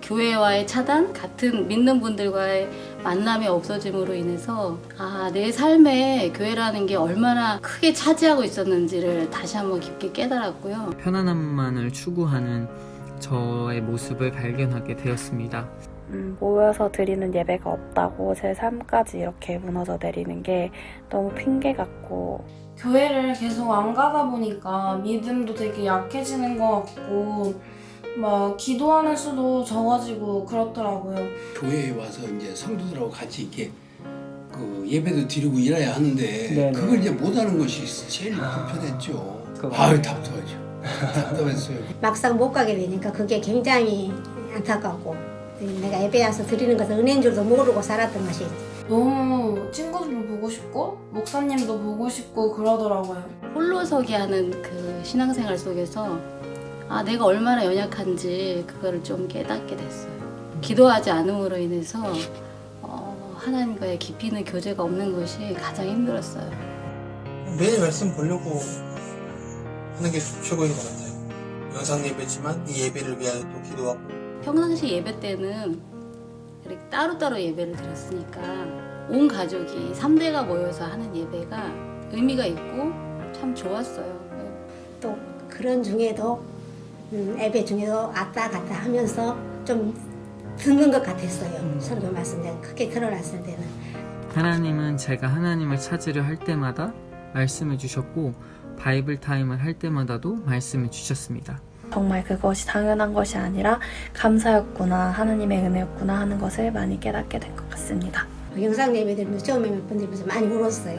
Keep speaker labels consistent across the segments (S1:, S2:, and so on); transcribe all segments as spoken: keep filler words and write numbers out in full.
S1: 교회와의 차단, 같은 믿는 분들과의 만남이 없어짐으로 인해서 아, 내 삶에 교회라는 게 얼마나 크게 차지하고 있었는지를 다시 한번 깊게 깨달았고요.
S2: 편안함만을 추구하는 저의 모습을 발견하게 되었습니다.
S3: 음, 모여서 드리는 예배가 없다고 제 삶까지 이렇게 무너져 내리는 게 너무 핑계 같고,
S4: 교회를 계속 안 가다 보니까 믿음도 되게 약해지는 것 같고 막 기도하는 수도 적어지고 그렇더라고요.
S5: 교회에 와서 이제 성도들하고 같이 이렇게 그 예배도 드리고 일해야 하는데
S2: 네네.
S5: 그걸 이제 못하는 것이 제일 불편했죠. 아유 답답하죠. 답답했어요.
S6: 막상 못 가게 되니까 그게 굉장히 안타깝고, 내가 예배 와서 드리는 것은 은혜인 줄도 모르고 살았던 것이
S4: 너무 친구들도 보고 싶고 목사님도 보고 싶고 그러더라고요.
S1: 홀로서기 하는 그 신앙생활 속에서 아, 내가 얼마나 연약한지 그거를 좀 깨닫게 됐어요. 기도하지 않음으로 인해서 어, 하나님과의 깊이 있는 교제가 없는 것이 가장 힘들었어요.
S7: 매일 말씀 보려고 하는 게 최고인 것 같아요. 영상 예배지만 이 예배를 위하여 또 기도하고.
S1: 평상시 예배 때는 이렇게 따로따로 예배를 드렸으니까 온 가족이 삼 대가 모여서 하는 예배가 의미가 있고 참 좋았어요.
S6: 또 그런 중에도 음, 예배 중에도 왔다 갔다 하면서 좀 듣는 것 같았어요.
S2: 음.
S6: 설교 말씀 내가 크게 들어놨을 때는.
S2: 하나님은 제가 하나님을 찾으려 할 때마다 말씀해 주셨고 바이블 타임을 할 때마다도 말씀해 주셨습니다.
S3: 정말 그것이 당연한 것이 아니라 감사였구나, 하나님의 은혜였구나 하는 것을 많이 깨닫게 된 것 같습니다.
S6: 영상 예배 드리면서 처음에 몇 번 들으면서 많이 울었어요.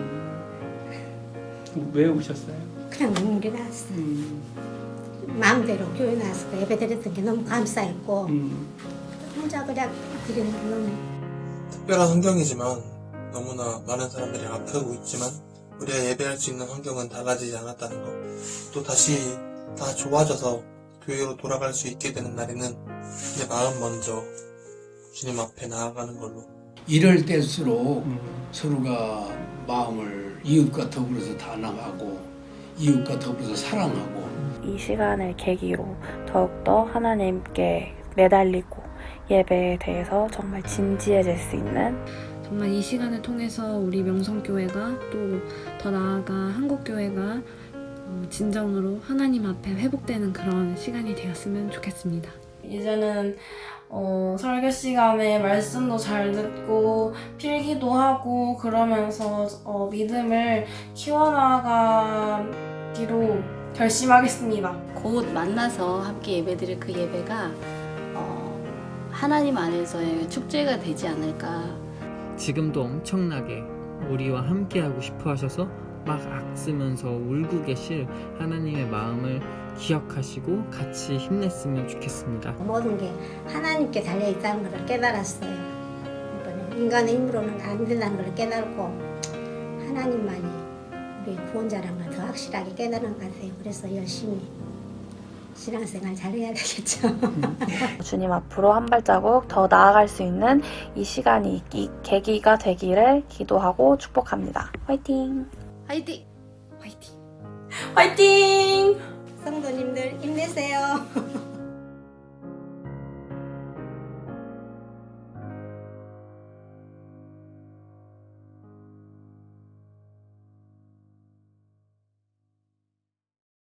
S8: 음, 왜 우셨어요?
S6: 그냥 눈물이 났어요.
S8: 음,
S6: 마음대로 교회 나와서 그 예배 드렸던 게 너무 감사했고
S8: 음.
S6: 혼자 그냥 드리는 게 너무
S7: 특별한 환경이지만 너무나 많은 사람들이 아프고 있지만 우리가 예배할 수 있는 환경은 달라지지 않았다는 것. 또 다시 다 좋아져서 교회로 돌아갈 수 있게 되는 날에는 내 마음 먼저 주님 앞에 나아가는 걸로.
S5: 이럴 때일수록
S8: 음.
S5: 서로가 마음을 이웃과 더불어서 단합하고 이웃과 더불어서 사랑하고
S3: 이 시간을 계기로 더욱더 하나님께 매달리고 예배에 대해서 정말 진지해질 수 있는,
S9: 정말 이 시간을 통해서 우리 명성교회가 또 더 나아가 한국교회가 어, 진정으로 하나님 앞에 회복되는 그런 시간이 되었으면 좋겠습니다.
S4: 이제는 어, 설교 시간에 말씀도 잘 듣고 필기도 하고 그러면서 어, 믿음을 키워나가기로 결심하겠습니다.
S1: 곧 만나서 함께 예배드릴 그 예배가 어, 하나님 안에서의 축제가 되지 않을까.
S2: 지금도 엄청나게 우리와 함께하고 싶어 하셔서 막 악쓰면서 울고 계실 하나님의 마음을 기억하시고 같이 힘냈으면 좋겠습니다.
S6: 모든 게 하나님께 달려있다는 걸 깨달았어요. 이번에 인간의 힘으로는 안 된다는 걸 깨달고 하나님만이 우리 구원자라는 걸 더 확실하게 깨달은 것 같아요. 그래서 열심히 신앙생활 잘해야 되겠죠.
S3: 주님 앞으로 한 발자국 더 나아갈 수 있는 이 시간이, 이 계기가 되기를 기도하고 축복합니다. 화이팅!
S1: 화이팅!
S4: 화이팅!
S6: 성도님들 힘내세요.